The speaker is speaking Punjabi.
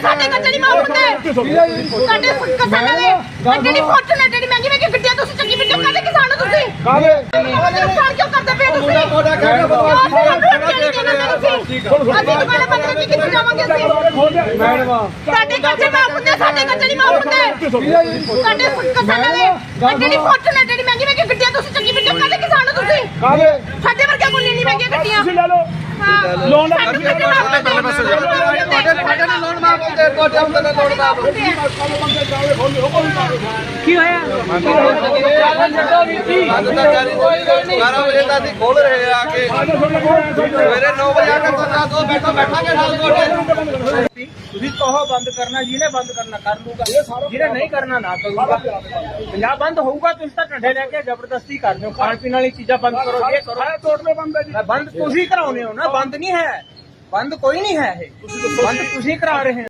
ਸਾਡੇ ਕੱਟੇ ਨਹੀਂ ਮਾਫ ਹੁੰਦੇ ਸਾਡੇ ਕਿਸਾਨਾਂ ਦੇ ਗੱਡੀ ਫੋਰਚੂਨਰ ਜਿਹੜੀ ਮਹਿੰਗੀ ਮਹਿੰਗੀ ਗੱਡੀਆਂ ਤੁਸੀਂ ਚੰਗੀ ਮਿੱਟੀ ਕਾਹਦੇ ਕਿਸਾਨ ਹੋ ਤੁਸੀਂ ਨੁਕਸਾਨ ਕਿਉਂ ਕਰਦੇ ਪਏ ਤੁਸੀਂ ਅਸੀਂ ਦੁਕਾਨਾਂ ਬੰਦ ਕਰਕੇ ਕਿੱਥੇ ਜਾਵਾਂਗੇ ਅਸੀਂ ਸਾਡੇ ਕੱਟੇ ਮਾਫ ਹੁੰਦੇ ਸਾਡੇ ਕੱਟੇ ਨਹੀਂ ਮਾਫ ਹੁੰਦੇ ਸਾਡੇ ਕਿਸਾਨਾਂ ਦੇ ਗੱਡੀ ਫੋਰਚੂਨਰ ਜਿਹੜੀ ਮਹਿੰਗੀ ਮਹਿੰਗੀ ਗੱਡੀਆਂ ਤੁਸੀਂ ਚੰਗੀ ਮਿੱਟੀ ਕਾਹਦੇ ਕਿਸਾਨ ਹੋ ਤੁਸੀਂ ਸਾਡੇ ਵਰਗੇ ਕੋਈ ਨਹੀਂ ਮਹਿੰਗੀਆਂ ਗੱਡੀਆਂ ਲੋਨ ਕੀ ਹੋਇਆ? 12 ਵਜੇ ਤੱਕ ਅਸੀਂ ਖੋਲ ਰਹੇ ਆ ਕੇ ਸਵੇਰੇ 9 ਵਜੇ ਆ ਕੇ ਬੈਠਾਂਗੇ ਨਾਲ ਤੁਹਾਡੇ। ਤੁਸੀਂ ਕਹੋ ਬੰਦ ਕਰਨਾ, ਜਿਹਨੇ ਬੰਦ ਕਰਨਾ ਕਰ ਲੂਗਾ, ਜਿਹਨੇ ਨਹੀਂ ਕਰਨਾ ਨਾ ਕਰੂਗਾ। ਪੰਜਾਬ ਬੰਦ ਹੋਊਗਾ, ਤੁਸੀਂ ਤਾਂ ਢੰਡੇ ਲੈ ਕੇ ਜ਼ਬਰਦਸਤੀ ਕਰ ਦਿਓ, ਖਾਣ ਪੀਣ ਵਾਲੀ ਚੀਜ਼ਾਂ ਬੰਦ ਕਰੋ, ਇਹ ਕਰੋ। ਬੰਦ ਤੁਸੀਂ ਕਰਾਉਨੇ ਹੋ ਨਾ, ਬੰਦ ਨਹੀਂ ਹੈ, ਬੰਦ ਕੋਈ ਨਹੀਂ ਹੈ, ਇਹ ਬੰਦ ਤੁਸੀਂ ਕਰਾ ਰਹੇ ਹੋ।